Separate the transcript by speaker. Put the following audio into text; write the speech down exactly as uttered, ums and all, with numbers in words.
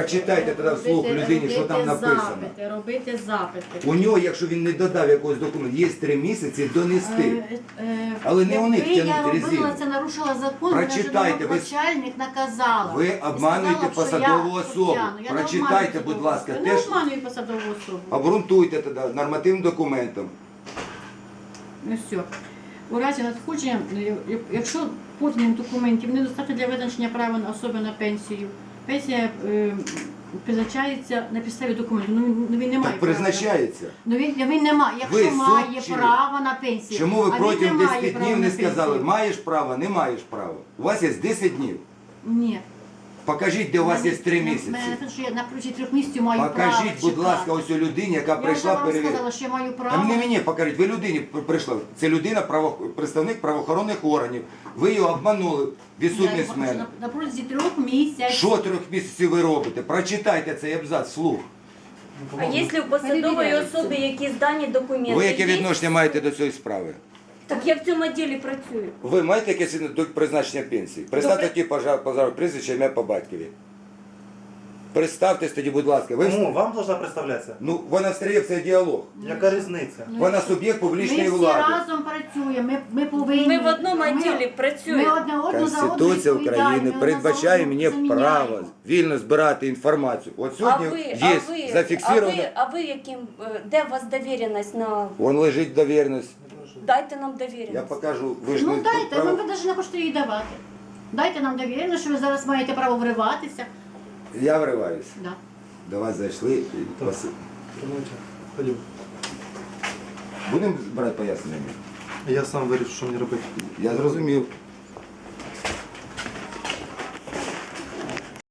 Speaker 1: Прочитайте тоді вслух людині, що там написано.
Speaker 2: Запити, робити запити.
Speaker 1: У нього, якщо він не додав якогось документу, є три місяці донести.
Speaker 2: Е, е,
Speaker 1: Але не у них
Speaker 2: якби я
Speaker 1: тягнути резину.
Speaker 2: робила це, нарушила закон,
Speaker 1: Прочитайте, ви-
Speaker 2: начальник наказала.
Speaker 1: Ви
Speaker 2: І
Speaker 1: обманюєте
Speaker 2: сказала, що
Speaker 1: посадову
Speaker 2: я
Speaker 1: особу.
Speaker 2: потягну. Я не
Speaker 1: Прочитайте,
Speaker 2: обманюю
Speaker 1: будь
Speaker 2: посадову
Speaker 1: ласка,
Speaker 2: особу.
Speaker 1: теж-
Speaker 2: Я не обманюю посадову особу.
Speaker 1: Обґрунтуйте тоді нормативним документом.
Speaker 2: Ну все. У разі надходження, е, якщо поданих документів недостатньо для визначення права на особи на пенсію, пенсія е, призначається на підставі документів. Ну, він- ну він не має
Speaker 1: Так
Speaker 2: права.
Speaker 1: призначається.
Speaker 2: Ну він, він не має. Якщо
Speaker 1: Ви
Speaker 2: має
Speaker 1: суд чи ні?
Speaker 2: право на пенсію.
Speaker 1: Чому ви
Speaker 2: а він
Speaker 1: протягом
Speaker 2: не має
Speaker 1: десяти
Speaker 2: права
Speaker 1: днів
Speaker 2: на
Speaker 1: не сказали,
Speaker 2: пенсію?
Speaker 1: маєш право, не маєш права? У вас є десять днів.
Speaker 2: Ні.
Speaker 1: Покажіть, де у вас є три
Speaker 2: Мене-
Speaker 1: місяці.
Speaker 2: Мене написано, що я на протязі трьох місяців маю право
Speaker 1: Покажіть, будь
Speaker 2: чекати.
Speaker 1: ласка, ось у людині, яка
Speaker 2: Я вже
Speaker 1: прийшла
Speaker 2: вам
Speaker 1: перевірити.
Speaker 2: сказала, що я маю
Speaker 1: А
Speaker 2: право.
Speaker 1: не мені покажіть, ви людині пр- прийшла. Це людина, право, представник правоохоронних органів. Ви його обманули, відсутність
Speaker 2: Я
Speaker 1: мене.
Speaker 2: на, на протязі трьох місяців.
Speaker 1: Що трьох місяців ви робите? Прочитайте цей абзац вслух.
Speaker 3: А якщо у посадової
Speaker 2: Перевіряється.
Speaker 3: особи якісь дані документи?
Speaker 1: Ви яке
Speaker 3: є?
Speaker 1: відношення маєте до цієї справи?
Speaker 3: Так я в цьому відділі працюю.
Speaker 1: Ви маєте якесь відношення до призначення пенсії? Представте
Speaker 3: Добре.
Speaker 1: такі пожар, пожар, прізвище, ім'я по батькові. Представтесь тоді, будь ласка. Ви...
Speaker 4: Кому? Вам должна представлятися?
Speaker 1: Ну, вона встряє в цей діалог.
Speaker 4: Яка різниця?
Speaker 2: Ну,
Speaker 1: Вона суб'єкт публічної
Speaker 2: Ми всі
Speaker 1: влади.
Speaker 2: разом працюємо, ми, ми повинні.
Speaker 3: Ми в одному відділі
Speaker 2: Ми
Speaker 3: працюємо.
Speaker 2: одне одну за одну
Speaker 1: Конституція
Speaker 2: відповідаємо,
Speaker 1: України
Speaker 2: ми
Speaker 1: передбачає
Speaker 2: одна
Speaker 1: мені
Speaker 2: за одну
Speaker 1: право
Speaker 2: заміняємо.
Speaker 1: вільно збирати інформацію. От
Speaker 3: А
Speaker 1: сьогодні
Speaker 3: ви,
Speaker 1: є
Speaker 3: а ви, а
Speaker 1: зафіксовано.
Speaker 3: ви, а ви яким, е, де у вас довіреність на...
Speaker 1: Вон лежить довіреність.
Speaker 3: Дайте нам
Speaker 1: Я
Speaker 3: довіреність.
Speaker 1: покажу. Ви ж
Speaker 2: Ну
Speaker 1: не
Speaker 2: дайте,
Speaker 1: право-
Speaker 2: ви навіть не хочете її давати. Дайте нам довірено, що ви зараз маєте право вриватися.
Speaker 1: Я вриваюся.
Speaker 2: Да.
Speaker 1: До вас зайшли. і
Speaker 4: Так.
Speaker 1: вас-
Speaker 4: Ходім.
Speaker 1: Будемо брати пояснення?
Speaker 4: Я сам вирішу, що мені робити.
Speaker 1: Я зрозумів.